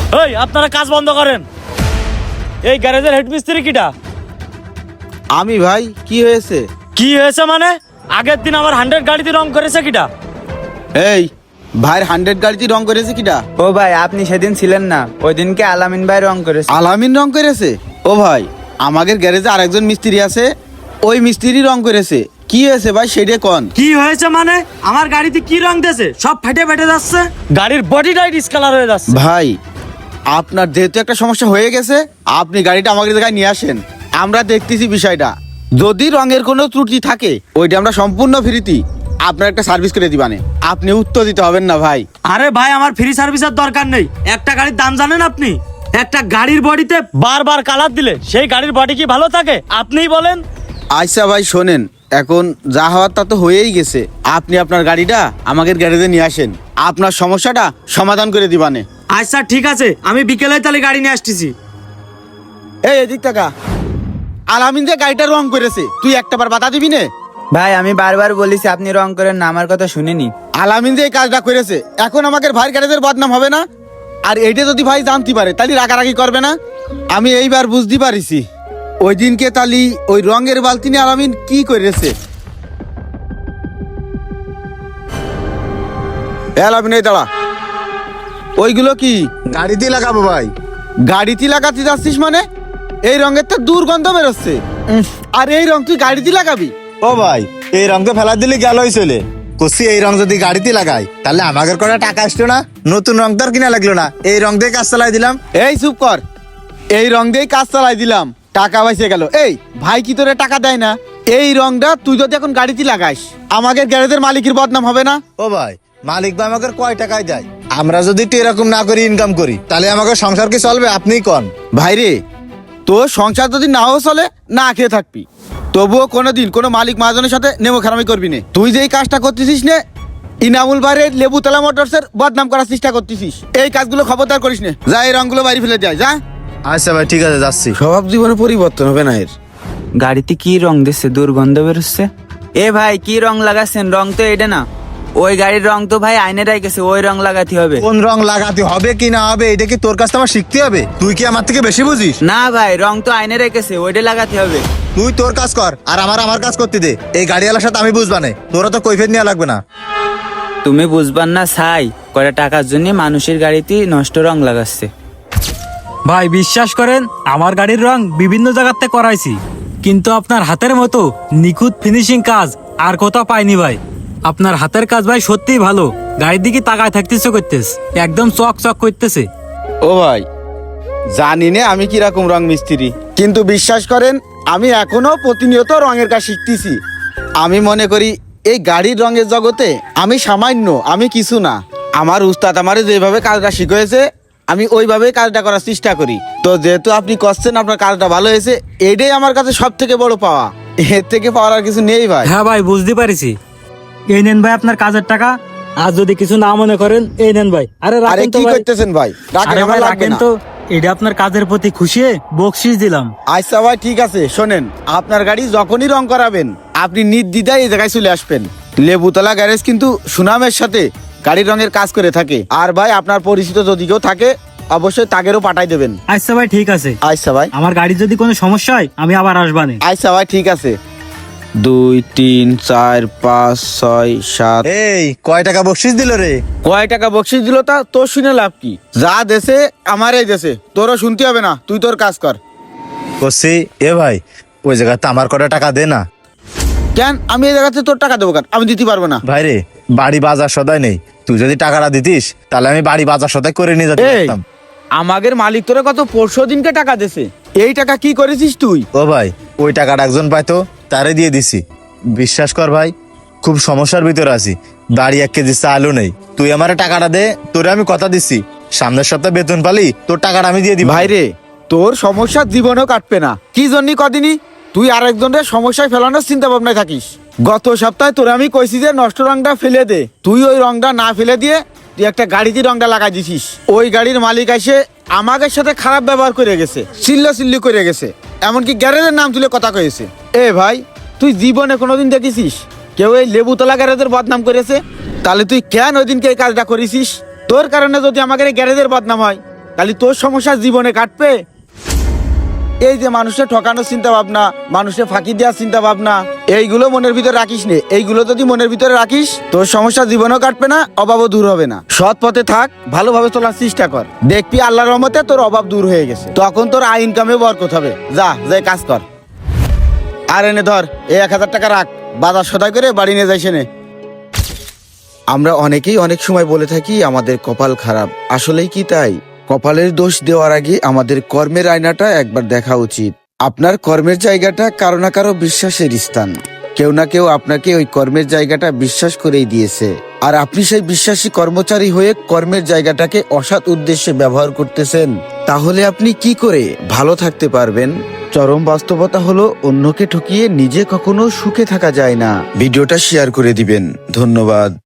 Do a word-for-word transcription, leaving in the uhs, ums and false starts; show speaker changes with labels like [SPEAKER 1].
[SPEAKER 1] এই আপনারা কাজ বন্ধ করেন। এই গ্যারেজের হেড মিস্ত্রি কিটা?
[SPEAKER 2] আমি ভাই। কি হয়েছে?
[SPEAKER 1] কি হয়েছে মানে? আগের দিন আমার হান্ড্রেড গাড়িতে রং করেছে কিটা?
[SPEAKER 2] এই ভাইয়ের হান্ড্রেড গাড়িতে রং করেছে কিটা?
[SPEAKER 3] ও ভাই, আপনি সেদিন ছিলেন না, ওই দিনকে আলামিন ভাই রং করেছে।
[SPEAKER 2] আলামিন রং করেছে? ও ভাই, আমাদের গ্যারেজে আরেকজন মিস্ত্রি আছে, ওই মিস্ত্রি রং করেছে। কি হয়েছে ভাই সেটা কোন?
[SPEAKER 1] কি হয়েছে মানে? আমার গাড়িতে কি রং দিয়েছে? সব ফেটে ফেটে যাচ্ছে, গাড়ির বডিটাই ডিসকালার হয়ে যাচ্ছে।
[SPEAKER 2] ভাই আপনার যেহেতু একটা সমস্যা হয়ে গেছে, আপনি গাড়িটা আমাদের জায়গায় নিয়ে আসেন, আমরা দেখতেছি বিষয়টা। যদি রঙের কোনো ত্রুটি থাকে ওইটা আমরা সম্পূর্ণ ফ্রিতে আপনার একটা সার্ভিস করে দিবানে, আপনি উত্তর দিতে হবেন না ভাই।
[SPEAKER 1] আরে ভাই, আমার ফ্রি সার্ভিসের দরকার নেই। একটা গাড়ির দাম জানেন আপনি? একটা গাড়ির বডিতে বারবার কালার দিলে সেই গাড়ির বডি কি ভালো থাকে? আপনিই বলেন।
[SPEAKER 2] আচ্ছা ভাই শোনেন, এখন যা হওয়ার তা তো হয়েই গেছে, আপনি আপনার গাড়িটা আমাদের গ্যারেজে নিয়ে আসেন, আপনার সমস্যাটা সমাধান করে দিবানে।
[SPEAKER 1] আচ্ছা ঠিক আছে, আমি বিকেলে তাহলে গাড়ি নিয়ে আসতেছি।
[SPEAKER 2] এই এদিক টাকা, আলামিন যে গাড়িটা রং করেছে তুই একটাবার বাধা দিবি না?
[SPEAKER 3] ভাই আমি বারবার বলেছি আপনি রং করেন না, আমার কথা শুনিনি।
[SPEAKER 2] আলামিন যে এই কাজটা করেছে, এখন আমাদের ভাইয়ের গ্যারেজের বদনাম হবে না? আর এইটা যদি ভাই জানতে পারে তাহলে রাগারাগি করবে না? আমি এইবার বুঝতে পারিছি ওই দিনকে তালি ওই রঙের বালতি নিয়ে আলামিন কি করেছে। এ আলামিন, এই দাঁড়া, ওইগুলো কি?
[SPEAKER 4] গাড়িতে লাগাবো ভাই।
[SPEAKER 2] গাড়িতে লাগাতে যাচ্ছিস মানে? এই রঙের তো দুর্গন্ধ বেরোচ্ছে। উম, আর এই রং তুই গাড়িতে লাগাবি?
[SPEAKER 4] ও ভাই, এই রং তো ফেলা দিলে গেলই চলে। কষি এই রং যদি গাড়িতে লাগাই তাহলে আমাদের কোনো টাকা আসতো না, নতুন রং তো আর কিনা লাগলো না, এই রং দিয়ে কাজ চালাই দিলাম।
[SPEAKER 2] এই চুপ কর, এই রং দিয়েই কাজ চালাই দিলাম, টাকা বাইসে গেল। এই ভাই কি তোরে টাকা দেয় না? এই রংটা তুই যদি এখন গাড়িতে লাগাইস আমাদের গ্যারেজের মালিকের বদনাম হবে না?
[SPEAKER 4] ও ভাই, মালিক ভাই আমাকে কয় টাকায় দেয়? আমরা যদি একটু এরকম না করি, ইনকাম করি, তাহলে আমাকে সংসার কি চলবে? আপনিই কন।
[SPEAKER 2] ভাই রে, তোর সংসার যদি নাও চলে, না খেয়ে থাকবি, তবুও কোনোদিন কোনো মালিক মহাজনের সাথে নেমো খারামি করবি না। তুই যে এই কাজটা করতেছিস নে, ইনামুল বাড়ির লেবুতলা মোটরসের বদনাম করার চেষ্টা করতেছিস, এই কাজগুলো খবরদার করিস না। যা, এই রংগুলো বাড়ি ফেলে যায়, যা।
[SPEAKER 4] আচ্ছা ভাই ঠিক আছে, যাচ্ছি।
[SPEAKER 2] স্বভাব জীবনে পরিবর্তন হবে না এর।
[SPEAKER 3] গাড়িতে কি রং দিচ্ছে, দুর্গন্ধ বেরোচ্ছে। এ ভাই কি রং লাগাচ্ছেন? রং তো এটা না, ওই গাড়ির রং তো ভাই আইনেরাই গেছে, ওই রং লাগাতে হবে।
[SPEAKER 4] কোন রং লাগাতে হবে কি না হবে এটা কি তোর কাছ থেকে আমার শিখতে হবে? তুই কি আমার থেকে বেশি বুঝিস?
[SPEAKER 3] না ভাই, রং তো আইনেরাই গেছে, ওইটা লাগাতে হবে।
[SPEAKER 4] তুই তোর কাজ কর আর আমার আমার কাজ করতে দে। এই গাড়িওয়ালার সাথে আমি বুঝবা না, তোরা তো কৈফিয়ত নেওয়া লাগবে না।
[SPEAKER 3] তুমি বুঝবার না ছাই, কয়টা টাকার জন্য মানুষের গাড়িতে নষ্ট রং লাগাচ্ছে।
[SPEAKER 5] ভাই বিশ্বাস করেন, আমার গাড়ির রং বিভিন্ন জায়গাতে করাইছি, কিন্তু আপনার হাতের মতো নিখুঁত ফিনিশিং কাজ আর কোথাও পাইনি ভাই। আপনার হাতের কাজ ভাই সত্যিই ভালো, গাড়ির দিকে তাকায় থাকতেছে, করতেছে একদম চক চক করতেছে।
[SPEAKER 2] ও ভাই, জানি না আমি কিরকম রং মিস্ত্রি, কিন্তু বিশ্বাস করেন আমি এখনো প্রতিনিয়ত রঙের কাজ শিখতেছি। আমি মনে করি এই গাড়ির রঙের জগতে আমি সামান্য, আমি কিছু না। আমার উস্তাদ আমারে যেভাবে কাজটা শিখিয়েছে আমি ওইভাবে কাজটা করার চেষ্টা করি। তো যেহেতু আপনি করছেন, আপনার কাজটা ভালো হয়েছে, এটাই আমার কাছে সব থেকে বড় পাওয়া। এর থেকে পাওয়ার আর কিছু নেই ভাই।
[SPEAKER 5] হ্যাঁ ভাই, বুঝতে পারিছি। এই নেন ভাই আপনার কাজের টাকা, আর যদি কিছু না মনে করেন এই নেন ভাই। আরে
[SPEAKER 2] আরে
[SPEAKER 5] রাখেন তো
[SPEAKER 2] কি
[SPEAKER 5] ভাই।
[SPEAKER 2] করতেছেন ভাই? রাখেন,
[SPEAKER 5] আরে
[SPEAKER 2] আমার
[SPEAKER 5] ভাই
[SPEAKER 2] লাগবে
[SPEAKER 5] রাখেন
[SPEAKER 2] না।
[SPEAKER 5] তো, এটা আপনার কাজের প্রতি খুশি হয়ে বকশিস দিলাম।
[SPEAKER 2] আচ্ছা ভাই ঠিক আছে, শোনেন, আপনার গাড়ি যখনই রং করাবেন আপনি নির্দ্বিধায় এই জায়গায় চলে আসবেন। লেবুতলা গ্যারেজ কিন্তু সুনামের সাথে গাড়ির রঙের কাজ করে থাকে। আর ভাই আপনার পরিচিত যদি কেউ থাকে অবশ্যই তাগেরও পাঠাই দেবেন।
[SPEAKER 5] আচ্ছা ভাই ঠিক আছে।
[SPEAKER 2] আচ্ছা ভাই।
[SPEAKER 5] আমার গাড়ির যদি কোনো সমস্যা হয় আমি আবার আসবানে।
[SPEAKER 2] আচ্ছা ভাই ঠিক আছে। দুই তিন চার পাঁচ ছয় সাত।
[SPEAKER 4] এই কয় টাকা বকশিস দিল রে?
[SPEAKER 2] কয় টাকা বকশিস দিল তা তোর শুনে লাভ কি? যা দেশে আমার এই দেশে, তোরও শুনতে হবে না, তুই তোর কাজ কর।
[SPEAKER 4] কষি এ ভাই, ওই জায়গাতে আমার কটা টাকা দে না।
[SPEAKER 2] কেন আমি এই জায়গাতে তোর টাকা দেবো কেন? আমি দিতে পারবো না।
[SPEAKER 4] ভাই রে, বাড়ি বাজার সদাই নেই, তুই যদি টাকাটা দিতিস তাহলে আমি বাড়ি বাজার সদাই করে নিয়ে যেতে
[SPEAKER 2] এই
[SPEAKER 4] পারতাম।
[SPEAKER 2] আমাদের মালিক তোরে কত পরশু দিনকে টাকা দেছে, এই টাকা কি করেছিস তুই?
[SPEAKER 4] ও ভাই, ওই টাকাটা একজন পাইতো, তারে দিয়ে দিছি। বিশ্বাস কর ভাই, খুব সমস্যার ভিতরে আছি, বাড়ি এক কেজি চালও নেই। তুই আমার টাকাটা দে, তোরে আমি কথা দিচ্ছি সামনের সপ্তাহে বেতন পালি তোর টাকাটা আমি দিয়ে দিই।
[SPEAKER 2] ভাই রে, তোর সমস্যা জীবনেও কাটবে না। কি জন্য কদিনই তুই আরেকজনের সমস্যায় ফেলানোর চিন্তা ভাবনায় থাকিস। গত সপ্তাহে তোরে আমি কইছি যে নষ্ট রংটা ফেলে দে, তুই ওই রংটা না ফেলে দিয়ে তুই একটা গাড়িতে রংটা লাগাই দিছিস। ওই গাড়ির মালিক এসে আমাদের সাথে খারাপ ব্যবহার করে গেছে, চিল্লা চিল্লি করে গেছে, এমনকি গ্যারেজের নাম তুলে কথা কয়েছে। এ ভাই, তুই জীবনে কোনোদিন দেখেছিস কেউ এই লেবুতলা গ্যারেজের বদনাম করেছে? তাহলে তুই কেন ওই দিনকে এই কাজটা করেছিস? তোর কারণে যদি আমাদের এই গ্যারেজের বদনাম হয় তাহলে তোর সমস্যা জীবনে কাটবে। এই যে মানুষের ঠকানোর চিন্তা ভাবনা, মানুষের ফাঁকি দেওয়ার চিন্তা ভাবনা, এইগুলো মনের ভিতরে রাখিস নে। এইগুলো যদি মনের ভিতরে রাখিস তোর সমস্যা জীবনেও কাটবে না, অভাবও দূর হবে না। সৎ পথে থাক, ভালোভাবে চলার চেষ্টা কর, দেখবি আল্লাহর রহমতে তোর অভাব দূর হয়ে গেছে। তখন তোর আয় ইনকামে বরকত হবে। যা যাই কাজ কর। আর এনে ধর এই এক হাজার টাকা রাখ, বাজার সদাই করে বাড়ি নিয়ে যাইছে নে। আমরা অনেকেই অনেক সময় বলে থাকি আমাদের কপাল খারাপ, আসলেই কি তাই? কপালের দোষ দেওয়ার আগে আমাদের কর্মের আয়নাটা একবার দেখা উচিত। আপনার কর্মের জায়গাটা কারো না কারো বিশ্বাসের স্থান। কেউ না কেউ আপনাকে ওই কর্মের জায়গাটা বিশ্বাস করেই দিয়েছে, আর আপনি সেই বিশ্বাসী কর্মচারী হয়ে কর্মের জায়গাটাকে অসৎ উদ্দেশ্যে ব্যবহার করতেছেন। তাহলে আপনি কি করে ভালো থাকতে পারবেন? চরম বাস্তবতা হলো অন্যকে ঠকিয়ে নিজে কখনো সুখে থাকা যায় না। ভিডিওটা শেয়ার করে দিবেন। ধন্যবাদ।